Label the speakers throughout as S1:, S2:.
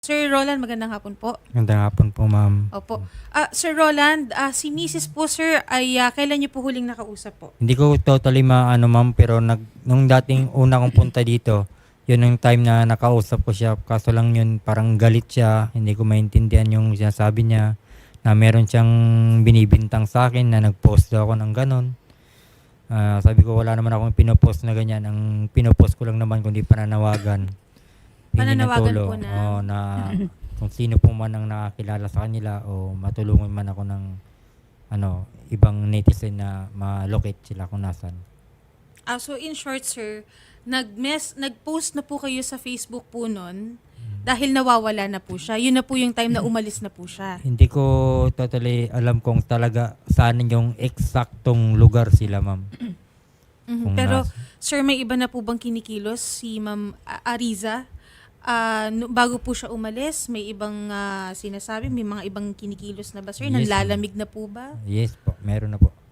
S1: Sir Roland, magandang hapon po.
S2: Magandang hapon po, ma'am.
S1: Opo. Sir Roland, si Mrs. po, sir, ay kailan niyo po huling nakausap po?
S2: Hindi ko totally maano, ma'am, pero nung dating una kong punta dito, yun yung time na nakausap ko siya. Kaso lang yun, parang galit siya. Hindi ko maintindihan yung sinasabi niya na meron siyang binibintang sa akin na nag-post daw ako ng ganon. Sabi ko, wala naman akong pinopost na ganyan. Ang pinopost ko lang naman kundi pananawagan.
S1: Pananawagan po na.
S2: Na kung sino po man ang nakakilala sa kanila o matulungan man ako ng ibang netizen na ma-locate sila kung nasan.
S1: So in short, sir, nag-post na po kayo sa Facebook po nun dahil nawawala na po siya. Yun na po yung time na umalis na po siya.
S2: Hindi ko totally alam kung talaga saan yung eksaktong lugar sila, ma'am. Kung
S1: Pero, sir, may iba na po bang kinikilos si Ma'am Ariza? Bago po siya umalis, may ibang sinasabi, may mga ibang kinikilos na ba, sir?
S2: Yes,
S1: Nanlalamig na po ba?
S2: Yes po, meron na po.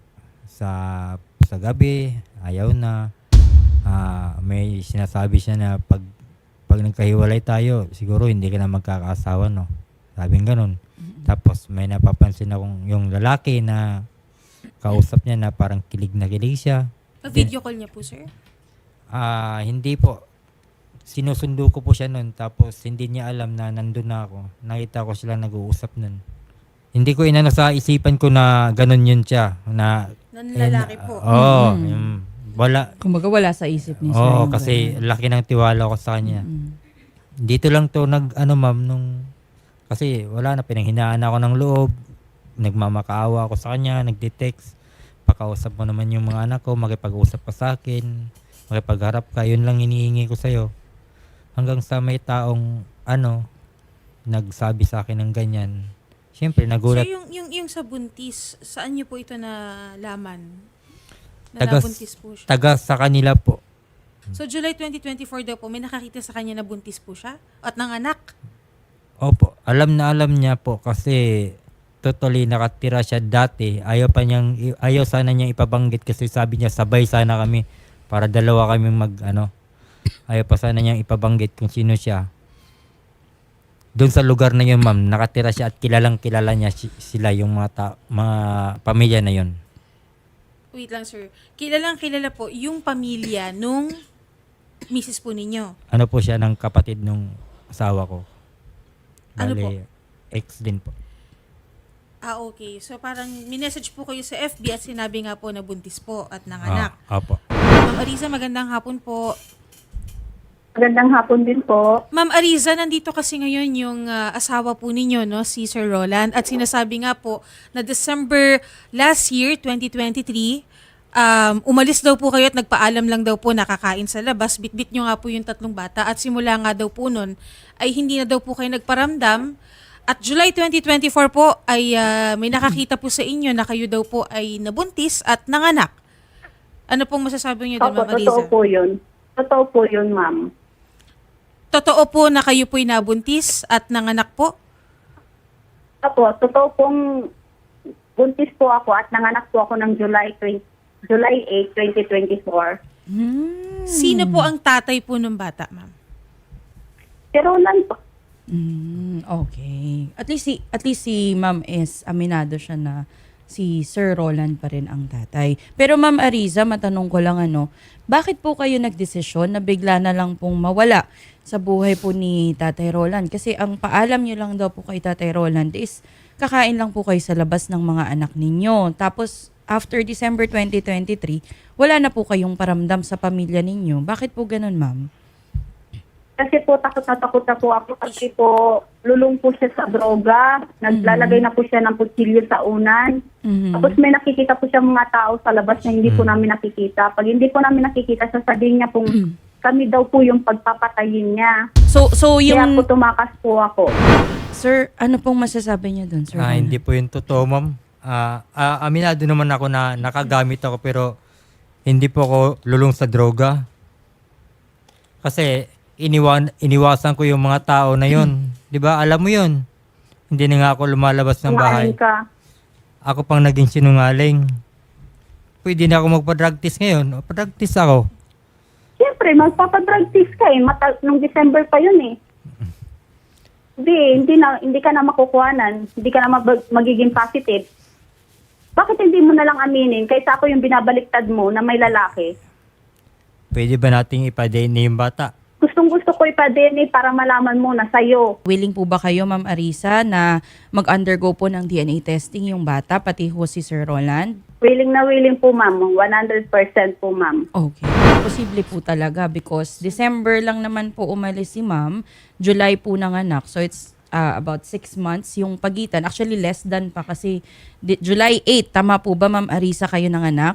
S2: Sa gabi, ayaw na. May sinasabi siya na pag nagkahiwalay tayo, siguro hindi ka na magkakaasawa, no? Sabing ganun. Tapos may napapansin akong yung lalaki na kausap niya na parang kilig na kilig siya.
S1: Video call niya po, sir?
S2: Hindi po. Sinusundo ko po siya nun. Tapos hindi niya alam na nandun na ako. Nakita ko sila nag-uusap nun. Hindi ko inano sa isipan ko na ganun yun siya.
S1: Nanlalaki po.
S2: Oo. Wala.
S3: Kumbaga wala sa isip ni sir.
S2: Oo,
S3: yung
S2: kasi
S3: ganun.
S2: laki ng tiwala ko sa kanya. Dito lang to ma'am, kasi wala na, pinanghinaan ako ng loob. Nagmamakaawa ako sa kanya, nagde-text. Pakausap mo naman yung mga anak ko, makipag-usap ka sa akin, makipagharap ka, yun lang hinihingi ko sa'yo. Hanggang sa may taong, nagsabi sa akin ng ganyan. Siyempre, nagulat.
S1: So yung sa buntis, saan niyo po ito nalaman?
S2: Taga-
S1: Nabuntis po siya.
S2: Taga sa kanila po.
S1: So July 2024 daw po, may nakakita sa kanya na buntis po siya? At nanganak?
S2: Opo, alam na alam niya po kasi totally nakatira siya dati. Ayaw sana niyang ipabanggit kasi sabi niya sabay sana kami para dalawa kaming ayaw pa sana niyang ipabanggit kung sino siya. Doon sa lugar na yun, ma'am, nakatira siya at kilalang kilala niya sila yung mga pamilya na yun.
S1: Wait lang, sir. Kilalang kilala po yung pamilya nung misis po ninyo.
S2: Ano po siya ng kapatid nung asawa ko.
S1: Ano po?
S2: Ex din po.
S1: Okay. So parang minessage po kayo sa FB at sinabi nga po na buntis po at nanganak.
S2: Opo.
S1: Ma'am Ariza, magandang hapon po.
S4: Magandang hapon din po.
S1: Ma'am Ariza, nandito kasi ngayon yung asawa po ninyo, no, si Sir Roland. At sinasabi nga po na December last year, 2023, umalis daw po kayo at nagpaalam lang daw po nakakain sa labas. Bitbit nyo nga po yung 3 bata at simula nga daw po nun ay hindi na daw po kayo nagparamdam. At July 2024 po ay may nakakita po sa inyo na kayo daw po ay nabuntis at nanganak. Ano pong masasabi niyo doon,
S4: Opo,
S1: Ma'am Ariza?
S4: totoo po yun. Totoo po yun, ma'am.
S1: Totoo po na kayo po'y nabuntis at nanganak po?
S4: Opo, totoo pong buntis po ako at nanganak po ako ng July 8, 2024.
S1: Sino po ang tatay po ng bata, ma'am?
S4: Pero lang po.
S3: Okay. At least si Ma'am is aminado siya na si Sir Roland pa rin ang tatay. Pero Ma'am Ariza, matanong ko lang bakit po kayo nagdesisyon na bigla na lang pong mawala sa buhay po ni Tatay Roland? Kasi ang paalam niyo lang daw po kay Tatay Roland is kakain lang po kayo sa labas ng mga anak ninyo. Tapos after December 2023, wala na po kayong paramdam sa pamilya ninyo. Bakit po ganun, Ma'am?
S4: Kasi po takot na po ako kasi po lulong po siya sa droga. Naglalagay na po siya ng kutsilyo sa unan. Tapos may nakikita po siya mga tao sa labas na hindi po namin nakikita. Pag hindi po namin nakikita, sasabihin niya po kami daw po yung pagpapatayin niya.
S3: So
S4: Kaya
S3: yung
S4: po tumakas po ako.
S3: Sir, ano pong masasabi niyo doon, Sir? Roland?
S2: Hindi po yun totoo, ma'am. Aminado naman ako na nakagamit ako pero hindi po ako lulong sa droga. Kasi iniwasan ko yung mga tao na yun. 'Di ba? Alam mo yun. Hindi na nga ako lumalabas ng bahay.
S4: Kumain ka.
S2: Ako pang naging sinungaling. Pwede na ako magpa-drug test ngayon. Pa-drug test ako.
S4: Siyempre, magpapadrug test ka eh. Nung December pa yun eh. hindi ka na makukuhanan, hindi ka na magiging positive. Bakit hindi mo na lang aminin kaysa ako yung binabaliktad mo na may lalaki?
S2: Pwede ba nating ipa-DNA yung bata?
S4: Gustong-gusto ko ipa-DNA para malaman mo na sa'yo.
S3: Willing po ba kayo, Ma'am Arisa, na mag-undergo po ng DNA testing yung bata, pati ho si Sir Roland?
S4: Willing na willing po, ma'am. 100% po, ma'am.
S3: Okay. Posible po talaga because December lang naman po umalis si Ma'am, July po nanganak. So it's about 6 months yung pagitan. Actually, less than pa kasi July 8. Tama po ba, Ma'am Arisa, kayo nanganak?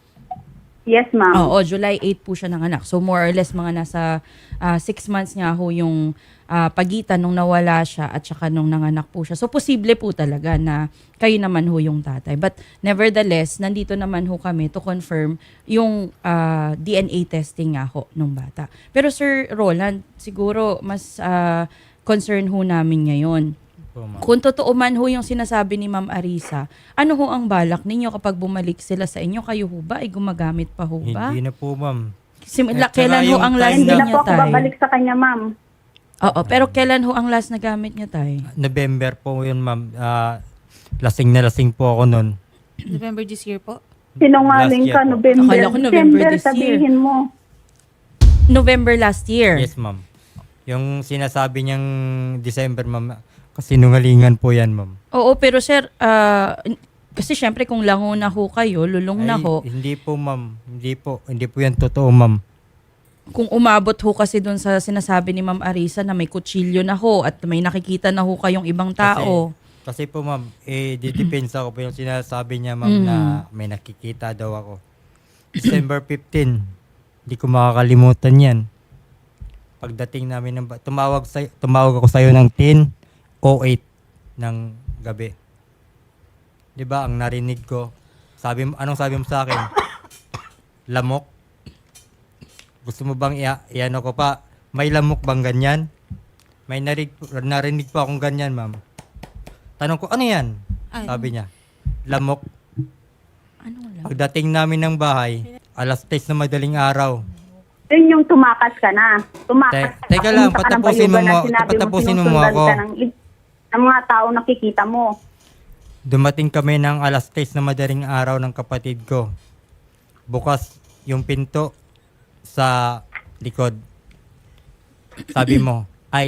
S4: Yes, ma'am.
S3: Oo, July 8 po siya nanganak. So more or less mga nasa 6 months nga ho yung pagitan nung nawala siya at saka nung nanganak po siya. So posible po talaga na kayo naman ho yung tatay. But nevertheless, nandito naman ho kami to confirm yung DNA testing nga ho nung bata. Pero Sir Roland, siguro mas concern ho namin ngayon.
S2: Po, ma'am.
S3: Kung totoo man ho yung sinasabi ni Ma'am Arisa, ano ho ang balak ninyo kapag bumalik sila sa inyo? Kayo ho ba ay gumagamit pa ho ba?
S2: Hindi na po, ma'am.
S3: Kailan ho
S2: yung
S3: ang
S2: time
S3: last
S4: Hindi na
S3: niya,
S4: po ako
S3: tay?
S4: babalik sa kanya, ma'am.
S3: Oo, pero kailan ho ang last na gamit niya, tay?
S2: November po yun, ma'am. Lasing na lasing po ako nun.
S1: November this year po.
S4: Sinungaling
S2: Last year
S4: ka,
S2: po.
S4: November.
S3: Akala ko November
S4: December,
S3: this year.
S4: sabihin mo.
S3: November last year.
S2: Yes, ma'am. Yung sinasabi niyang December, ma'am, kasi nungalingan po yan, ma'am.
S3: Oo, pero sir, kasi syempre kung lango na ho kayo, lulong na
S2: Ay,
S3: ho,
S2: hindi po, ma'am. Hindi po yan totoo, ma'am.
S3: kung umabot ho kasi doon sa sinasabi ni Ma'am Arisa na may kutsilyo na ho at may nakikita na ho kayong ibang tao.
S2: Kasi po, ma'am, didepensa ko po yung sinasabi niya, ma'am, na may nakikita daw ako. December 15, hindi ko makakalimutan yan. Pagdating namin ng tumawag ako sa'yo ng 10:08 ng gabi. 'Di ba ang narinig ko? Anong sabi mo sa akin? Lamok? Gusto mo bang iano ko pa? May lamok bang ganyan? May narinig pa akong ganyan, ma'am. Tanong ko, ano yan?
S1: Ano?
S2: Sabi niya, lamok.
S3: Ano lang?
S2: Pagdating namin ng bahay, 10:00 na madaling araw.
S4: Yun yung tumakas ka na. Tumakas ka.
S2: Teka lang,
S4: Pumunta ka ng
S2: patapusin
S4: bayugan
S2: mo
S4: na sinabi
S2: patapusin mo
S4: sinusundan
S2: ako.
S4: ka ng mga tao nakikita mo.
S2: Dumating kami ng 10:00 na madaling araw ng kapatid ko. Bukas yung pinto sa likod. Sabi mo,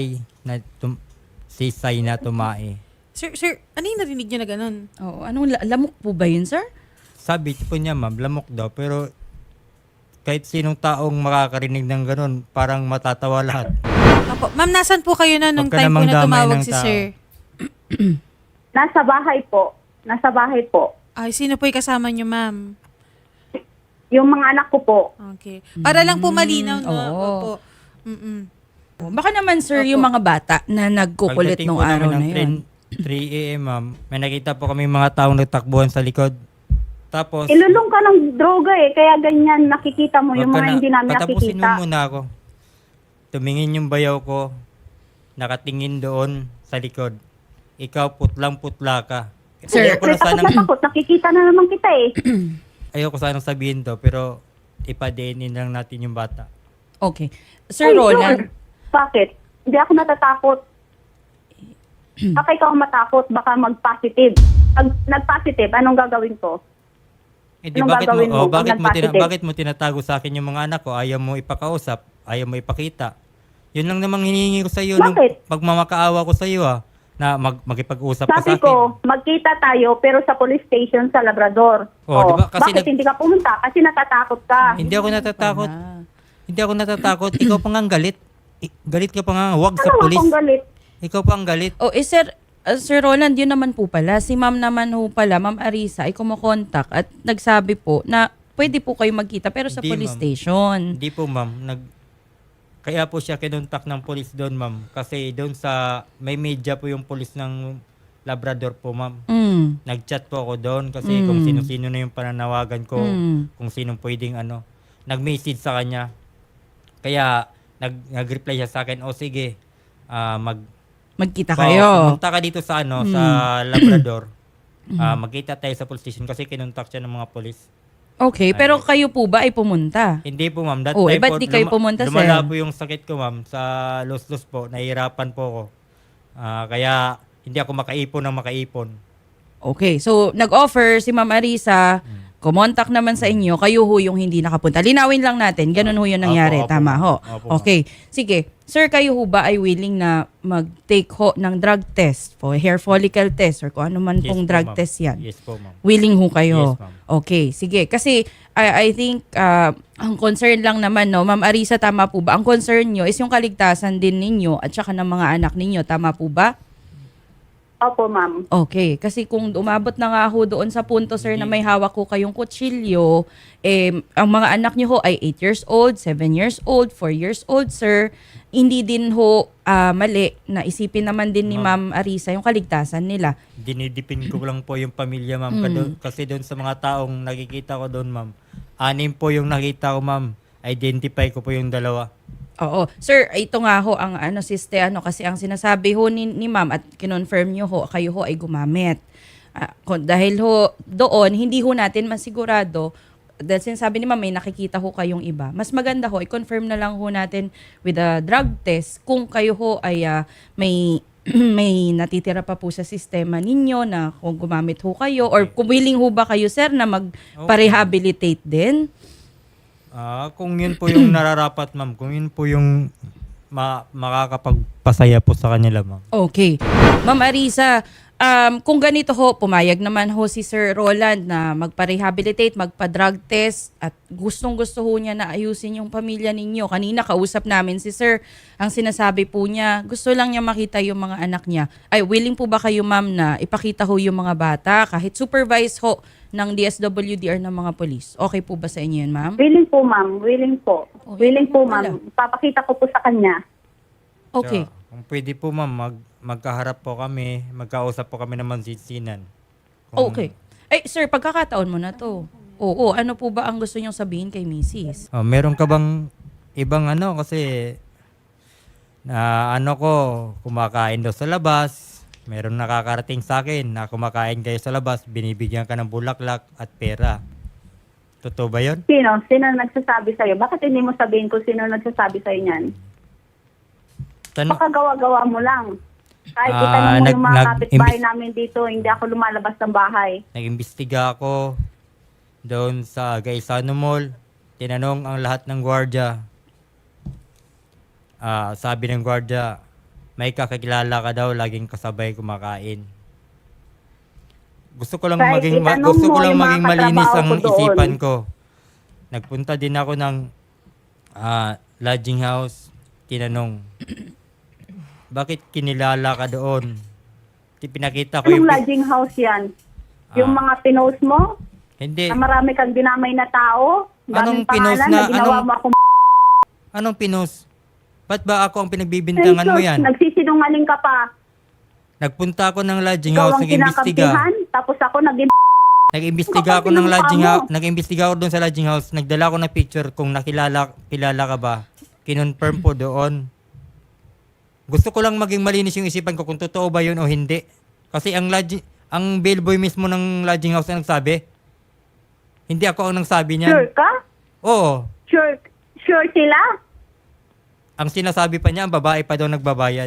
S2: si Sai na tumae.
S1: Sir, ano yung narinig niyo na ganun?
S3: Oo, anong lamok po ba yun, sir?
S2: Sabi po niya, ma'am, lamok daw. Pero kahit sinong taong makakarinig ng ganun, parang matatawa lahat.
S1: Opo. Ma'am, nasan po kayo na nung
S2: Huwag ka
S1: time po
S2: namang
S1: na
S2: damay
S1: tumawag
S2: ng
S1: si
S2: tao.
S1: sir?
S4: Nasa bahay po. Nasa bahay po.
S1: Ay, sino po yung kasama niyo, ma'am?
S4: Yung mga anak ko po.
S1: Okay. Para lang po malinaw, no?
S3: oo.
S1: Opo. Mm-mm.
S3: Baka naman, sir,
S1: Opo.
S3: yung mga bata na nagkukulit
S2: Pagdating
S3: nung
S2: po namin
S3: araw na
S2: ng
S3: yun.
S2: 3 a.m., ma'am, may nakita po kami mga taong nagtakbuhan sa likod. Tapos,
S4: Ilulong ka ng droga kaya ganyan nakikita mo yung
S2: wag ka
S4: mga
S2: na-
S4: hindi namin
S2: patapusin
S4: nakikita.
S2: mo muna ako. Tumingin yung bayaw ko, nakatingin doon sa likod. Ikaw putlang-putla ka.
S3: Sir,
S2: Ayoko na
S4: Takot
S2: sanang,
S4: na takot. Nakikita na naman kita
S2: ayoko sanang sabihin to, pero ipa-DNA lang natin yung bata.
S3: Okay. Sir
S4: Ay,
S3: Roland,
S4: sure. Bakit? Hindi ako natatakot. Baka ikaw ang matakot, baka mag-positive. Pag nag-positive, anong gagawin ko?
S2: Hindi,
S4: Anong
S2: bakit mo,
S4: gagawin mo pag nag-positive?
S2: bakit mo tinatago sa akin yung mga anak ko? Ayaw mo ipakausap, ayaw mo ipakita. Yun lang namang hinihingi ko sa iyo nung
S4: Bakit?
S2: pagmamakaawa ko sa iyo na makipag-usap ka sa
S4: Sabi
S2: akin.
S4: ko, magkita tayo pero sa police station sa Labrador.
S2: Oh, di ba? Kasi
S4: bakit hindi ka pumunta? Kasi natatakot ka.
S2: Hindi ako natatakot.
S3: Ah.
S2: Hindi ako natatakot. Ikaw pa nga ang galit. Galit ka pa nga. Huwag sa
S4: Ano
S2: pulis.
S4: akong galit?
S2: Ikaw pa ang galit.
S3: Oh, Sir Roland, yun naman po pala. Si ma'am naman ho pala, Ma'am Arisa, ay kumokontak at nagsabi po na pwede po kayo magkita pero sa
S2: Hindi,
S3: police
S2: ma'am.
S3: station.
S2: Hindi po, ma'am. Kaya po siya kinontak ng polis doon, ma'am. Kasi doon may media po yung polis ng Labrador po, ma'am.
S3: Mm.
S2: Nag-chat po ako doon kasi kung sino-sino na yung pananawagan ko, kung sinong pwedeng nag-message sa kanya. Kaya nag-reply siya sa akin, o sige,
S3: Magkita kayo.
S2: pumunta ka dito sa sa Labrador. Magkita tayo sa police station kasi kinontak siya ng mga polis.
S3: Okay, pero kayo po ba ay pumunta?
S2: Hindi po, ma'am. That
S3: Oh,
S2: time
S3: ba't
S2: po,
S3: di kayo pumunta, sir?
S2: lumala po yung sakit ko, ma'am. Sa los-los po, nahihirapan po ako. Kaya hindi ako makaipon ng makaipon.
S3: Okay, so nag-offer si Ma'am Arisa, kumontak naman sa inyo, kayo ho yung hindi nakapunta. Linawin lang natin, ganun ho yung nangyari.
S2: Opo,
S3: Tama ho.
S2: opo,
S3: Okay, sige. Sir, kayo ho ba ay willing na mag-take ho ng drug test, for hair follicle test, or kung ano man
S2: Yes
S3: pong
S2: po,
S3: drug
S2: ma'am.
S3: test yan?
S2: Yes po, ma'am.
S3: Willing ho kayo?
S2: Yes, ma'am.
S3: Okay, sige. Kasi I think ang concern lang naman, no, Ma'am Arisa, tama po ba? Ang concern nyo is yung kaligtasan din ninyo at saka ng mga anak ninyo. Tama po ba?
S4: Opo, ma'am.
S3: Okay, kasi kung umabot na nga ho doon sa punto, sir, na may hawak ko kayong kutsilyo, ang mga anak niyo ho ay 8 years old, 7 years old, 4 years old, sir, hindi din ho mali na isipin naman din ni Ma'am Arisa yung kaligtasan nila.
S2: Dinidipin ko lang po yung pamilya, ma'am. Kasi doon sa mga taong nakikita ko doon, ma'am. 6 po yung nakita ko, ma'am. Identify ko po yung 2.
S3: Oo. Sir, ito nga ho ang kasi ang sinasabi ho ni Ma'am at kinonfirm nyo ho, kayo ho ay gumamit. Dahil ho doon, hindi ho natin masigurado, dahil sinasabi ni Ma'am, may nakikita ho kayong iba. Mas maganda ho, i-confirm na lang ho natin with a drug test kung kayo ho ay may may natitira pa po sa sistema ninyo na kung gumamit ho kayo or kung willing ho ba kayo, sir, na magpa-rehabilitate din.
S2: Kung yun po yung nararapat, ma'am. Kung yun po yung makakapagpasaya po sa kanila, ma'am.
S3: Okay. Ma'am Arisa, kung ganito ho, pumayag naman ho si Sir Roland na magpa-rehabilitate, magpa-drug test at gustong-gusto ho niya na ayusin yung pamilya ninyo. Kanina kausap namin si Sir, ang sinasabi po niya, gusto lang niya makita yung mga anak niya. Ay, willing po ba kayo, ma'am, na ipakita ho yung mga bata kahit supervise ho ng DSWD or ng mga polis? Okay po ba sa inyo yun, ma'am?
S4: Willing po, ma'am. Willing po.
S3: Oh,
S4: Willing po,
S3: wala.
S4: ma'am. Papakita ko po sa kanya.
S3: Okay.
S2: So, kung pwede po, ma'am, magkaharap po kami, magkausap po kami ng mansisinan.
S3: Okay. Eh, sir, pagkakataon mo na to. Oo, ano po ba ang gusto niyong sabihin kay Mrs.?
S2: Meron ka bang ibang kasi na kumakain daw sa labas. Meron nakakarating sa akin na kumakain kayo sa labas, binibigyan ka ng bulaklak at pera. Totoo ba yun?
S4: Sino? Sino nagsasabi sa'yo? Bakit hindi mo sabihin kung sino nagsasabi sa'yo niyan? Baka gawa-gawa mo lang. Kahit itanong mo yung mga kapitbahay namin dito, hindi ako lumalabas ng bahay.
S2: Nag-imbestiga ako doon sa Gaisano Mall. Tinanong ang lahat ng gwardiya. Sabi ng gwardiya, may kakilala ka daw, laging kasabay kumakain. Gusto ko lang
S4: Kahit
S2: maging
S4: itanong mo yung mga
S2: malinis
S4: katrabaho
S2: ang
S4: ko doon.
S2: isipan ko. Nagpunta din ako ng lodging house. Tinanong, bakit kinilala ka doon? Pinakita ko
S4: Anong lodging house yan? Yung mga pinost mo?
S2: Hindi.
S4: Na marami kang dinamay na tao?
S2: Anong
S4: Daming
S2: pinost
S4: pangalan
S2: na-
S4: ginawa mo akong
S2: Anong pinost? Ba't ba ako ang pinagbibintangan mo yan?
S4: Nagsisinungaling ka pa.
S2: Nagpunta ako ng lodging
S4: Ikaw
S2: house,
S4: ang
S2: nag-imbestiga.
S4: kinakampihan, tapos ako
S2: Nag-imbestiga
S4: Ikaw
S2: ako
S4: ang
S2: ng lodging
S4: pinunta mo.
S2: house, nag-imbestiga ako doon sa lodging house. Nagdala ako ng picture kung kilala ka ba. Kinonfirm po doon. Gusto ko lang maging malinis yung isipan ko kung totoo ba yun o hindi. Kasi ang bellboy mismo ng lodging house ang nagsabi. Hindi ako ang nagsabi niyan.
S4: Sure ka?
S2: Oo.
S4: Sure sila?
S2: Ang sinasabi pa niya, ang babae pa daw nagbabayad.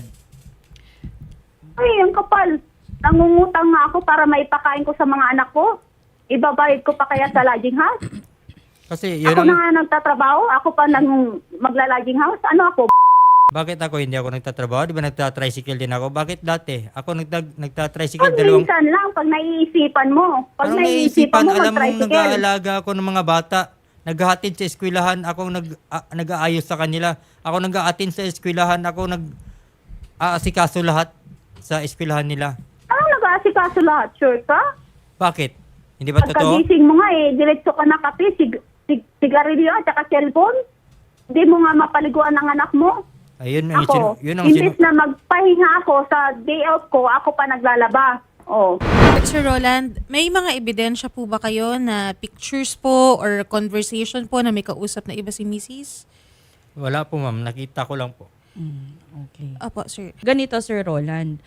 S4: Ay, ang kapal. Nangungutang nga ako para maipakain ko sa mga anak ko. Ibabayad ko pa kaya sa lodging house?
S2: Kasi yun
S4: Ako
S2: ang...
S4: na nga nagtatrabaho, ako pa magla-lodging house. Ano ako?
S2: Bakit ako hindi ako nagtatrabaho? Di ba nagtatricycle din ako? Bakit dati? Ako nagtatricycle
S4: Pag
S2: dalawang...
S4: minsan lang, pag naiisipan mo. Pag
S2: Anong
S4: naiisipan mo,
S2: alam mong
S4: mag-tricycle.
S2: nag-aalaga ako ng mga bata. Naghahatid sa eskwelahan, ako nag-aayos sa kanila. Ako nag-aatin sa eskwelahan, ako nag-aasikaso lahat sa eskwelahan nila.
S4: Anong nag-aasikaso lahat? Sure ka?
S2: Bakit? Hindi ba totoo?
S4: Pagkagising mo nga diretso ka na kape, sigarilyo at saka cellphone. Hindi mo nga mapaliguan ng anak mo.
S2: Ayun,
S4: Ako,
S2: yun ang
S4: imbis na magpahinga ako sa day off ko, ako pa naglalaba. Oh.
S1: But Sir Roland, may mga ebidensya po ba kayo na pictures po or conversation po na may kausap na iba si Mrs.?
S2: Wala po, ma'am. Nakita ko lang po.
S3: Okay.
S1: Opo, sir.
S3: Ganito, Sir Roland.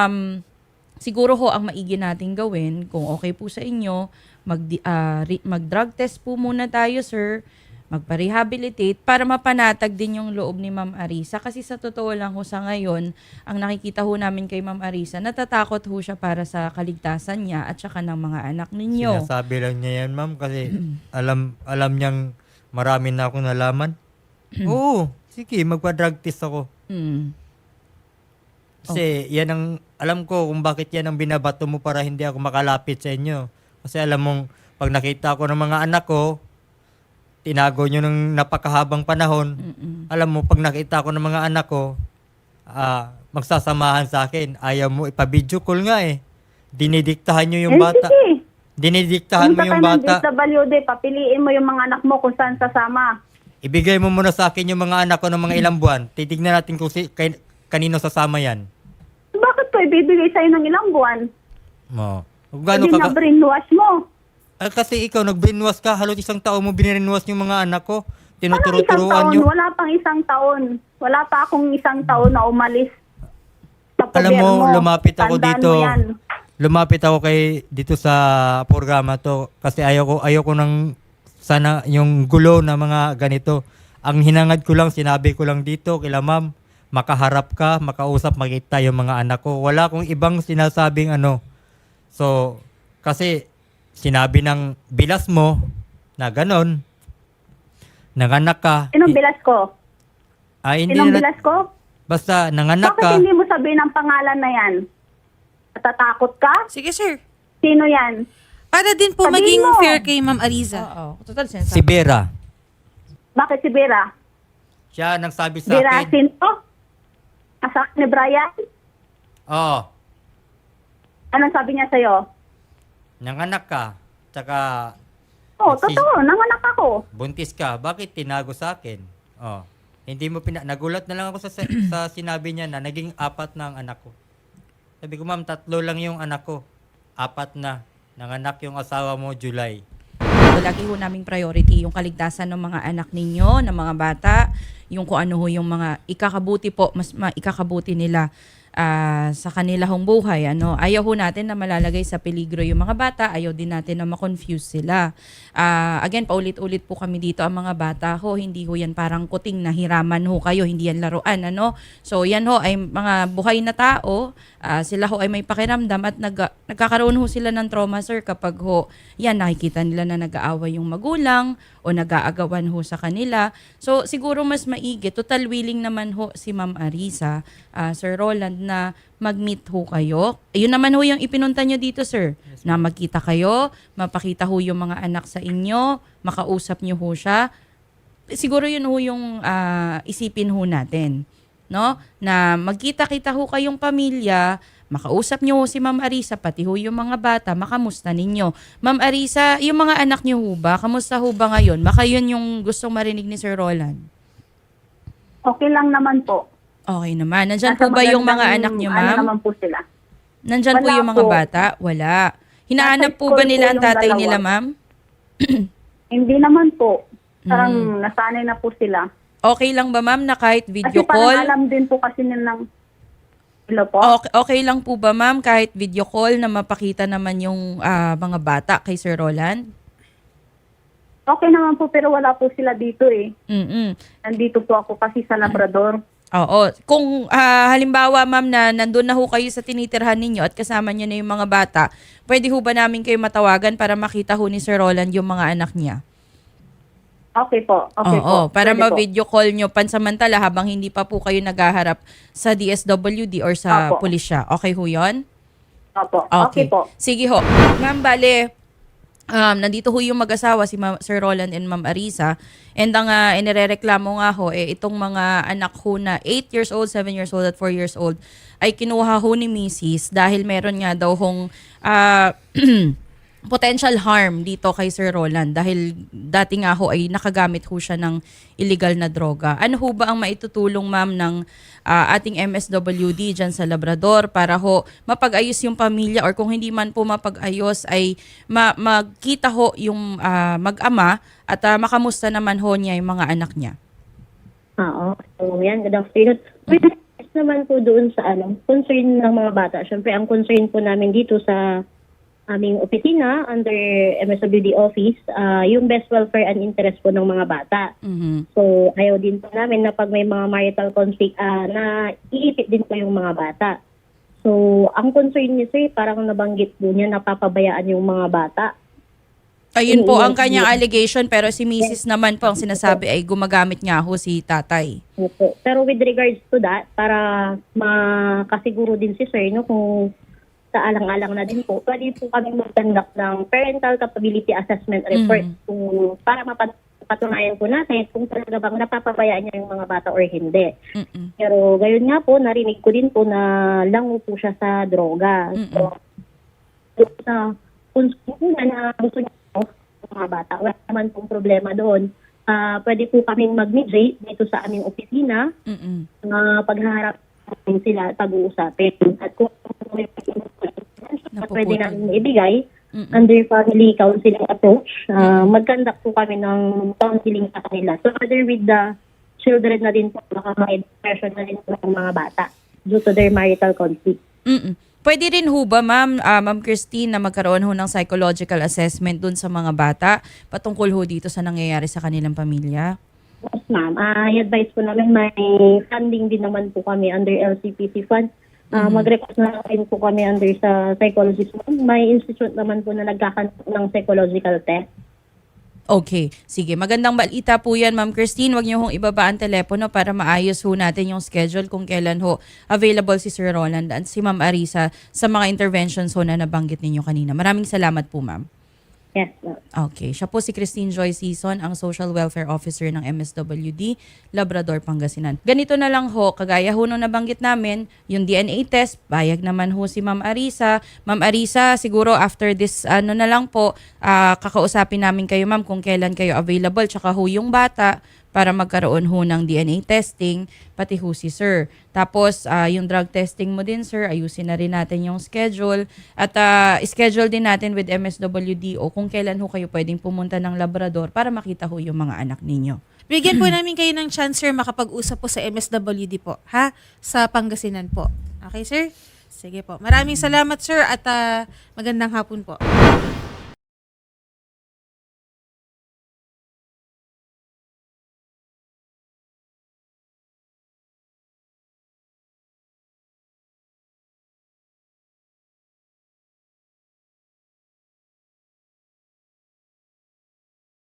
S3: Siguro ho ang maigi nating gawin, kung okay po sa inyo, mag-drug test po muna tayo, sir. magpa-rehabilitate para mapanatag din yung loob ni Ma'am Arisa. Kasi sa totoo lang ho sa ngayon, ang nakikita ho namin kay Ma'am Arisa, natatakot ho siya para sa kaligtasan niya at saka ng mga anak ninyo.
S2: Sinasabi lang niya yan, ma'am, kasi alam niyang marami na akong nalaman. Oo, sige, magpa-drug test ako.
S3: Mm.
S2: Kasi yan ang, alam ko kung bakit yan ang binabato mo para hindi ako makalapit sa inyo. Kasi alam mong, pag nakita ko ng mga anak ko, tinago nyo ng napakahabang panahon. Alam mo, pag nakita ko ng mga anak ko, magsasamahan sa akin. Ayaw mo, ipa-video call nga eh. Dinidiktahan nyo yung bata.
S4: Sige.
S2: Dinidiktahan mo yung bata.
S4: Sa DSWD, papiliin mo yung mga anak mo kung saan sasama.
S2: Ibigay mo muna sa akin yung mga anak ko ng mga ilang buwan. Titignan natin kung kanino sasama yan.
S4: Bakit ko ibibigay sa'yo ng ilang buwan?
S2: Mo. Kung
S4: Hindi
S2: gaano
S4: na brainwash mo.
S2: kasi ikaw, nag-brainwash ka. Halos isang taon mo binrinwash yung mga anak ko.
S4: Anong isang
S2: Tinuturo-turuan
S4: taon?
S2: nyo.
S4: Wala pang isang taon. Wala pa akong isang taon na umalis sa
S2: Alam mo,
S4: gobyerno.
S2: lumapit ako
S4: Tandaan
S2: dito.
S4: mo yan.
S2: Lumapit ako dito sa programa to kasi ayoko ng sana yung gulo na mga ganito. Ang hinangad ko lang, sinabi ko lang dito kila ma'am, makaharap ka, makausap, makita yung mga anak ko. Wala akong ibang sinasabing ano. So, kasi sinabi ng bilas mo na ganon, nanganak ka.
S4: Sinong bilas ko?
S2: Hindi
S4: Sinong
S2: na,
S4: bilas ko?
S2: basta nanganak
S4: Bakit
S2: ka.
S4: hindi mo sabihin ang pangalan na yan? Natatakot ka?
S1: Sige, sir.
S4: Sino yan?
S1: Para din po
S4: Sabihin
S1: maging
S4: mo.
S1: fair kay Ma'am Ariza.
S3: Oo. Total sense.
S2: Si Vera.
S4: Bakit si Vera?
S2: Siya nang sabi sa
S4: Vera
S2: akin.
S4: sino? Asak ni Brian?
S2: Oh,
S4: Anong sabi niya sa'yo?
S2: nanganak ka. Tsaka
S4: Oo, totoo. Nanganak ako.
S2: buntis ka, bakit tinago sa akin? Oh, hindi mo nagulat na lang ako sa sinabi niya na naging 4 na ang anak ko. Sabi ko, ma'am, 3 lang yung anak ko. 4 na. Nanganak yung asawa mo July.
S3: Lagi ho naming priority yung kaligtasan ng mga anak ninyo, ng mga bata, yung kung ano ho yung mga ikakabuti po, mas ikakabuti nila sa kanila hong buhay. Ayaw ho natin na malalagay sa peligro yung mga bata, ayaw din natin na ma-confuse sila. Again, paulit-ulit po kami dito, ang mga bata ho, hindi ho yan parang kuting na hiraman ho kayo, hindi yan laruan. So yan ho ay mga buhay na tao, sila ho ay may pakiramdam at nagkakaroon ho sila ng trauma, sir, kapag ho yan nakikita nila na nag-aaway yung magulang o nag-aagawan ho sa kanila. So siguro mas maigi, total willing naman ho si Ma'am Arisa, Sir Roland, na mag-meet ho kayo. Ayun naman ho yung ipinunta nyo dito, sir. Na magkita kayo, mapakita ho yung mga anak sa inyo, makausap nyo ho siya. Siguro yun ho yung isipin ho natin. No? Na magkita-kita ho kayong pamilya, makausap nyo ho si Ma'am Arisa, pati ho yung mga bata, makamusta ninyo. Ma'am Arisa, yung mga anak nyo ho ba, kamusta ho ba ngayon? Baka yun yung gustong marinig ni Sir Roland.
S4: Okay lang naman po.
S3: Okay naman. Nandyan
S4: Nasa
S3: po ba yung mga
S4: magandang,
S3: anak nyo,
S4: Ano
S3: ma'am?
S4: naman po sila?
S3: Nandyan po
S4: Wala
S3: yung mga
S4: po.
S3: bata? Wala. Hinahanap
S4: Nasa
S3: po ba
S4: school
S3: nila
S4: po
S3: ang
S4: yung
S3: tatay
S4: dalawa.
S3: nila, ma'am?
S4: Hindi naman po. Parang nasanay na po sila.
S3: Okay lang ba, ma'am, na kahit video
S4: Kasi parang
S3: call?
S4: alam din po kasi nilang... Hello po?
S3: Okay lang po ba, ma'am, kahit video call na mapakita naman yung mga bata kay Sir Roland?
S4: Okay naman po, pero wala po sila dito eh.
S3: Mm-mm.
S4: Nandito po ako kasi sa Labrador.
S3: Oo. Kung halimbawa, ma'am, na nandun na ho kayo sa tinitirhan ninyo at kasama nyo na yung mga bata, pwede ho ba namin kayo matawagan para makita ho ni Sir Roland yung mga anak niya?
S4: Okay po. Okay
S3: Oo,
S4: po.
S3: para
S4: Pwede po.
S3: ma-video call nyo pansamantala habang hindi pa po kayo naghaharap sa DSWD or sa
S4: Opo.
S3: pulisya. Okay ho yun?
S4: Opo. Okay po.
S3: Sige ho. Ma'am, bale, nandito ho yung mag-asawa, si Sir Roland and Ma'am Arisa. And ang inirereklamo nga ho, itong mga anak ho na 8 years old, 7 years old, at 4 years old, ay kinuha ho ni Mrs. dahil meron nga daw hong potential harm dito kay Sir Roland dahil dati nga ho ay nakagamit ho siya ng illegal na droga. Ano ho ba ang maitutulong, ma'am, ng ating MSWD dyan sa Labrador para ho mapag-ayos yung pamilya or kung hindi man po mapag-ayos ay magkita ho yung mag-ama at makamusta naman ho niya yung mga anak niya?
S5: Oo. So, yan. Good afternoon. Naman po doon sa concern ng mga bata. Siyempre, ang concern po namin dito sa aming opisina under MSWD office, yung best welfare and interest po ng mga bata.
S3: Mhm.
S5: So, ayaw din po namin na pag may mga marital conflict, na iipit din po yung mga bata. So, ang concern niya, sir, parang nabanggit po niya, napapabayaan yung mga bata.
S3: Ayun po ang kanyang allegation, pero si Mrs. naman po ang sinasabi ay gumagamit nga ho si tatay.
S5: Opo. Pero with regards to that, para makasiguro din si sir, no, kung sa alang-alang na din po, pwede po kami mag-conduct ng parental capability assessment report kung para mapatunayan po natin kung talaga bang napapabayaan niya yung mga bata or hindi.
S3: Mm-mm.
S5: Pero gayon nga po, narinig ko din po na lango po siya sa droga. So, sa kung na gusto niya po, mga bata, wala naman pong problema doon. Pwede po kaming mag-mediate dito sa aming opisina,
S3: Mm-mm.
S5: paghaharap namin sila, pag-uusapin. At kung may pwede namin ibigay, under family counseling approach, mag-conduct po kami ng counseling sa kanila. So, together with the children na din po, baka may depression na din po ng mga bata due to their marital conflict.
S3: Mm-mm. Pwede rin ho ba, Ma'am Christine, na magkaroon ho ng psychological assessment dun sa mga bata patungkol ho dito sa nangyayari sa kanilang pamilya?
S5: Yes, ma'am. I-advise po namin may funding din naman po kami under LCPC fund. Mag-request na rin po kami under sa psychologist. May institute naman po na nagkakanto ng psychological test.
S3: Okay. Sige. Magandang balita po yan, Ma'am Christine. Huwag niyo hong ibaba ang telepono para maayos ho natin yung schedule kung kailan ho available si Sir Roland at si Ma'am Arisa sa mga interventions ho na nabanggit ninyo kanina. Maraming salamat po, Ma'am.
S5: Yes, ma'am.
S3: Okay. Siya po si Christine Joy Season, ang Social Welfare Officer ng MSWD, Labrador, Pangasinan. Ganito na lang ho, kagaya ho nung nabanggit namin, yung DNA test, bayag naman ho si Ma'am Arisa. Ma'am Arisa, siguro after this, na lang po, kakausapin namin kayo, ma'am, kung kailan kayo available, tsaka ho yung bata, para magkaroon ho ng DNA testing, pati ho si Sir. Tapos, yung drug testing mo din, Sir, ayusin na rin natin yung schedule. At schedule din natin with MSWD o kung kailan ho kayo pwedeng pumunta ng Labrador para makita ho yung mga anak ninyo.
S1: Bigyan po namin kayo ng chance, sir, makapag-usap po sa MSWD po, ha? Sa Pangasinan po. Okay, sir? Sige po. Maraming salamat, sir, at magandang hapon po.